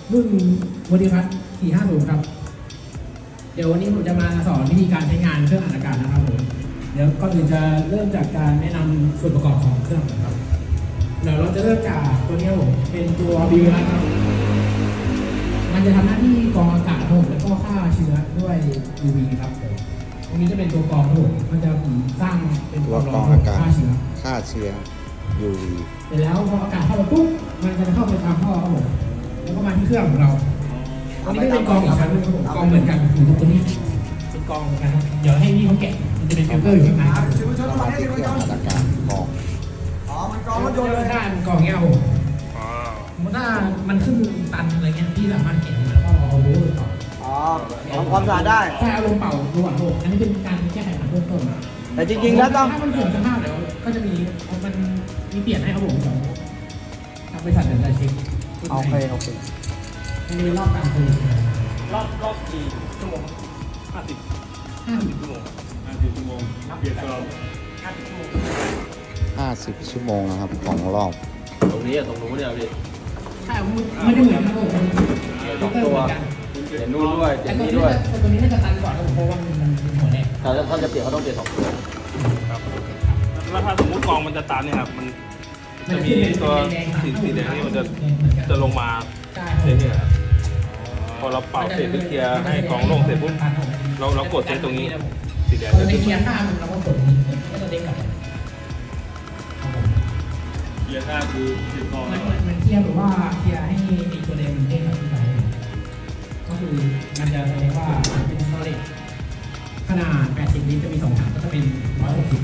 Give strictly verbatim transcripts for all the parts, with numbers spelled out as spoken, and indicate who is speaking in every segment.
Speaker 1: รุ่นวอดีพัทสี่ห้าศูนย์ครับเดี๋ยววันนี้ผมจะมาสอนวิธีการใช้งานเครื่องอัดอากาศนะครับผมเดี๋ยวก่อนอื่นจะเริ่มจากการแนะนำส่วนประกอบของเครื่องนะครับเดี๋ยวเราจะเริ่มจากตัวนี้ผมเป็นตัวบิวนะครับมันจะทำหน้าที่กรองอากาศครับผมแล้วก็ฆ่าเชื้อด้วย ยู วี ครับผมตรงนี้จะเป็นตัวกรองครับผมมันจะสร้างเป็น
Speaker 2: ตัวกรองอากาศ
Speaker 1: ฆ่าเชื้อ
Speaker 2: ฆ่าเชื้อ ยู วี
Speaker 1: เสร็จแล้วพออากาศเข้าไปปุ๊บมันจะเข้าไปตามท่อครับผมแล้วก็มาที่เครื่องของเราอันนี้ก็เป็นกรองอีกชั้นนึงครับผมกรองเหมือนกันอยู่ตรงนี้เป็นกรองเหมือนกันครับเดี๋ยวให้พี่เขาแกะมันจะเป็นฟิลเตอร์อยู่ข้างในครับ
Speaker 2: เข้ามาที่เครื่องอัดอากาศกรอง
Speaker 3: อ๋อ มันกรองรถยนต์เลย
Speaker 1: ถ้ามันกรองเงี้ยครับผมสมมติถ้ามันขึ้นตันอะไรเงี้ยพี่สามารถแกะมาแล้วก็เอาโบว์ต่อ
Speaker 3: อ๋อทำความสะอาดได้
Speaker 1: ใช่เอาลมเป่าระหว่างโลกอันนี้เป็นการแก้ไขปัญหาเบื้องต้นนะ
Speaker 3: แต่จริงๆแล้วต้อง
Speaker 1: ถ้ามันเสื่อมสภาพแล้วก็จะมีมันมีเปลี่ยนให้ครับผมเดี๋ยวทางบริษัทเดี๋ยวจะเช็ค
Speaker 3: โอเค โอเค
Speaker 1: มันมีรอบการผลิต
Speaker 4: รอบรอบกี่ชั่วโมงห้าสิบ
Speaker 1: ห้าสิบ
Speaker 4: ชั่วโมงห้าสิบชั่วโมงเปลี่ยนตลอด
Speaker 1: ห้าสิบชั่วโมง
Speaker 2: ห้าสิบชั่วโมงนะครับของรอบ
Speaker 4: ตรงนี้อะตรงนู้นเนี่ยพี่
Speaker 1: ใช่ไม่ได้เหมือนครับผม
Speaker 4: สองตัวเปลี่ยนนู่นด้วยเปลี่
Speaker 1: แต่
Speaker 4: ยน
Speaker 1: ตัว
Speaker 4: นี่
Speaker 1: นี้
Speaker 4: ด้วย
Speaker 1: ตัวนี้น่าจะตันก่อนครับผมเพราะว่ามันมันหัวแดง
Speaker 4: ถ้าถ้าจะเปลี่ยนเขาต้องเปลี่ยนสองตัว
Speaker 5: ครับแล้วถ้าสมมติกองมันจะตันเนี่ยครับ มันจะมีตัวสีสีแดงนี่มันจะจะลงมา
Speaker 1: ใช่
Speaker 5: เรื่อยๆครับพอเราเป่าเสร็จหรือเคลียร์ให้กองโล่งเสร็จปุ๊บเราเรากดเซตตรงนี้ สีแดง
Speaker 1: เรา
Speaker 5: จะ
Speaker 1: จะ
Speaker 5: ขึ้น
Speaker 1: เคลียร์ข้ามเราก็กดนี้ก็จะเด้งกลับครับผม
Speaker 5: เยียร์ห้าคือติดกอง
Speaker 1: มันมันมันเคลียร์หรือว่าเคลียร์ให้ไอ้ตัวแดงมันเด้งกลับขึ้นไปก็คือมันจะแสดงว่าเป็นสโตรจขนาดแปดสิบลิตรจะมีสองถังก็จะเป็นหนึ่งร้อยหกสิบ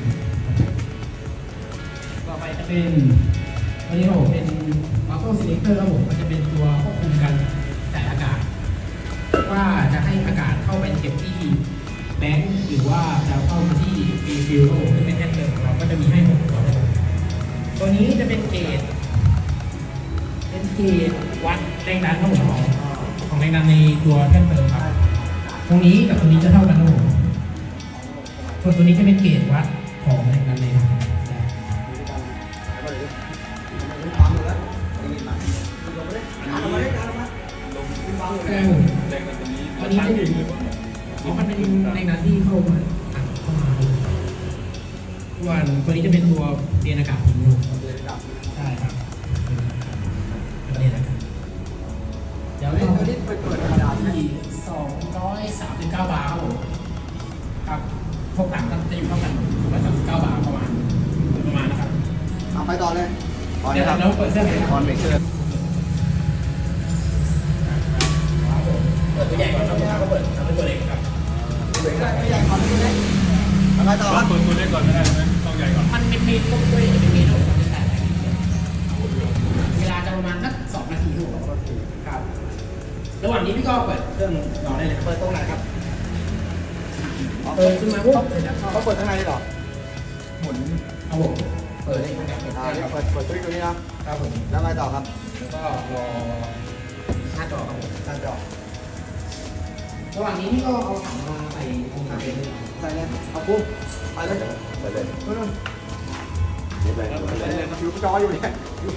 Speaker 1: ต่อไปจะเป็นวันนี้ผมเป็นออโต้ซีเลคเตอร์ครับผมมันจะเป็นตัวควบคุมการจ่ายอากาศ ว่าจะให้อากาศเข้าไปเก็บที่แบงค์หรือว่าจะเข้ามาที่ฟีฟิลซึ่งเป็นแท่นเดิมของเราก็จะมีให้หกตัวนะครับตัวนี้จะเป็นเกจเป็นเกจวัดแรงดันของเราของแรงดันในตัวแท่นเติมครับตรงนี้กับตรงนี้จะเท่ากันครับผมส่วนตัวนี้จะเป็นเกจวัดของแรงดันในถังใช่ผม
Speaker 5: แรงมันตรงนี้
Speaker 1: อันนี้จะอยู่เพราะมันเป็นแรงดันที่เข้ามาอัดเข้ามาส่วนตัวนี้จะเป็นตัวเรียนอากาศทิ้งลงใช่ครับตัวเรียนอากาศเดี๋ยวเราไปเปิดธรรมดาที่สองร้อยสามสิบเก้าบาร์ครับผมครับพวกต่างก็จะอยู่เท่ากันสองร้อยสามสิบเก้าบาร์ประมาณประมาณนะครับ
Speaker 3: เอาไปต่อเลย
Speaker 1: เดี๋ยวเราเปิดเครื่องเลยครับ
Speaker 3: ตอนเบรกเกอร์
Speaker 1: เปิดตัวใหญ่ก่อนครับแล้วก็เปิดทำเป็นตัวเล็กครับ
Speaker 3: เบรกเกอร์ไม่ใหญ่ก่อนไม่เล็กเอาไปต่อค
Speaker 5: ต้อ
Speaker 3: รั
Speaker 5: ง
Speaker 3: บ
Speaker 5: เปิดตัวเล็กก่อนไม่ได้ใช่ไหมต้องใหญ่ก่อน
Speaker 1: มันเป็นเมนูด้วยเป็นเมนูของจะใส่เวลาจะประมาณสักสองนาทีถูกครับ ระหว่างนี้พี่ก็เปิดเครื่องรอได้เลยครับ
Speaker 3: เปิดตรงไหนครับ
Speaker 1: เปิดขึ้นมาปุ๊บเสร็จแล้วก็
Speaker 3: เขาเปิดข้างในได้หรอ
Speaker 1: หมุนเอาผมเปิดได้ครับ
Speaker 3: อ่าเดี๋ยวเปิดเปิดตัวนี้ตัวนี้นะครับ
Speaker 1: ผม
Speaker 3: แล้วไงต่อครับ
Speaker 1: แล้วก็รอหน้าจอครับผม
Speaker 3: หน้าจอ
Speaker 1: ระหว่างนี้พี่ก็เอาถังมาใส่ตรงถังเลย
Speaker 3: ใส่เลยเอาปุ๊บไปเลย
Speaker 4: ไปเลย
Speaker 3: นู่นนู่น
Speaker 4: เดี๋ยวไปเดี๋ยวไปเลย
Speaker 3: อยู่จออยู่เนี่ยอยู่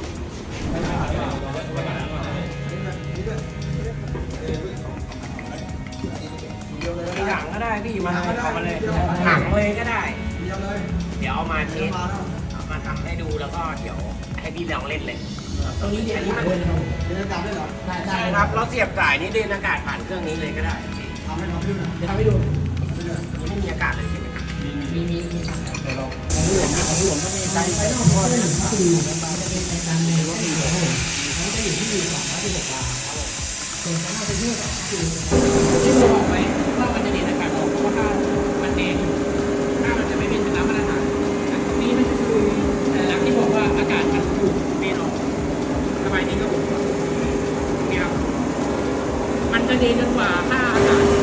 Speaker 3: เดียวเลย
Speaker 6: ถังก็ได้พี่มา
Speaker 3: ก็ได้
Speaker 6: เอามาเลย
Speaker 3: เดียว
Speaker 6: ถังเลยก็ได้
Speaker 3: เดียวเลย
Speaker 6: เดี๋ยวเอามาเท
Speaker 3: เดียว
Speaker 6: ส
Speaker 3: มาแล้ว
Speaker 6: เอามาทำให้ดูแล้วก็เดี๋ยวให้พี่ลองเล่นเลย
Speaker 1: ตรงนี้เดี๋ยวนี้มันเลยนะครับผม
Speaker 3: เรียนอากาศได้เหรอ
Speaker 1: ได้ได้
Speaker 6: ใช่
Speaker 1: ค
Speaker 6: ค
Speaker 1: รั
Speaker 6: รั
Speaker 1: บบ
Speaker 6: เราเสียบสายนี้เดินอากาศผ่านเครื่องนี้เลยก็ได้พี่
Speaker 3: ทำให้ทำให้ดูหน่อย
Speaker 1: เดี๋ยวทำให้ดู
Speaker 6: อันนี้ไม่มีอากาศเลยใช่ไหมครับ
Speaker 1: มีมีมีถังครับเดี๋ยวเราของหลวงของหลวงก็มีใจไฟนอกก็คือมันจะเป็นในการในรถอีกครับผมเขาจะอยู่ที่สองร้อยสิบหกบาทครับผมส่วนของเราเป็นที่สองคือที่เราบอกไว้ว่ามันจะเน้นอากาศออกเพราะว่าถ้ามันแดงถ้ามันจะไม่เป็นน้ำมาตรฐานแต่ตรงนี้มันคือสัญลักษณ์ที่บอกว่าอากาศมันถูกเปลี่ยนออกสบายนี้ครับผมนี่ครับมันจะดีจนกว่าค่าอากาศ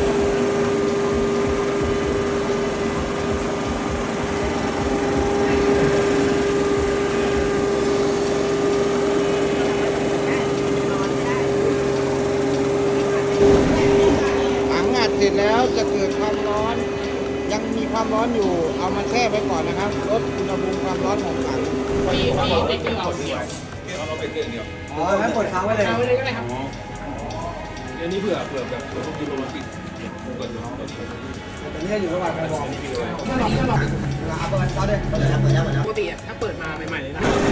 Speaker 2: ถังอัดเสร็จแล้วจะเกิดความร้อน ยังมีความร้อนอยู่ เอามาแช่ไว้ก่อนนะครับ ลดอุณหภูมิความร้อนของถัง
Speaker 1: มีมีไม่เกี่ยวเอาเสียว
Speaker 5: เอาเราไปเกินเดียว
Speaker 3: อ๋องั้นกดค้างไว้เลย
Speaker 1: เอาไว้เลยก็ได้ครับ
Speaker 5: อ๋ออันนี้เผื่อเผื่อแบบเผื่อพวกยูโรมาติดเกิดอยู่ห้อง
Speaker 3: ตอนนี้อยู่ระหว่างการวอร์ม
Speaker 1: ถ้าลองถ้าลอง
Speaker 3: เอาตัวเอาเลยเปิดแล้วเปิดแล้วเปิดแล้ว
Speaker 1: ปกติอะถ้าเปิดมาใหม่ๆเลยนะ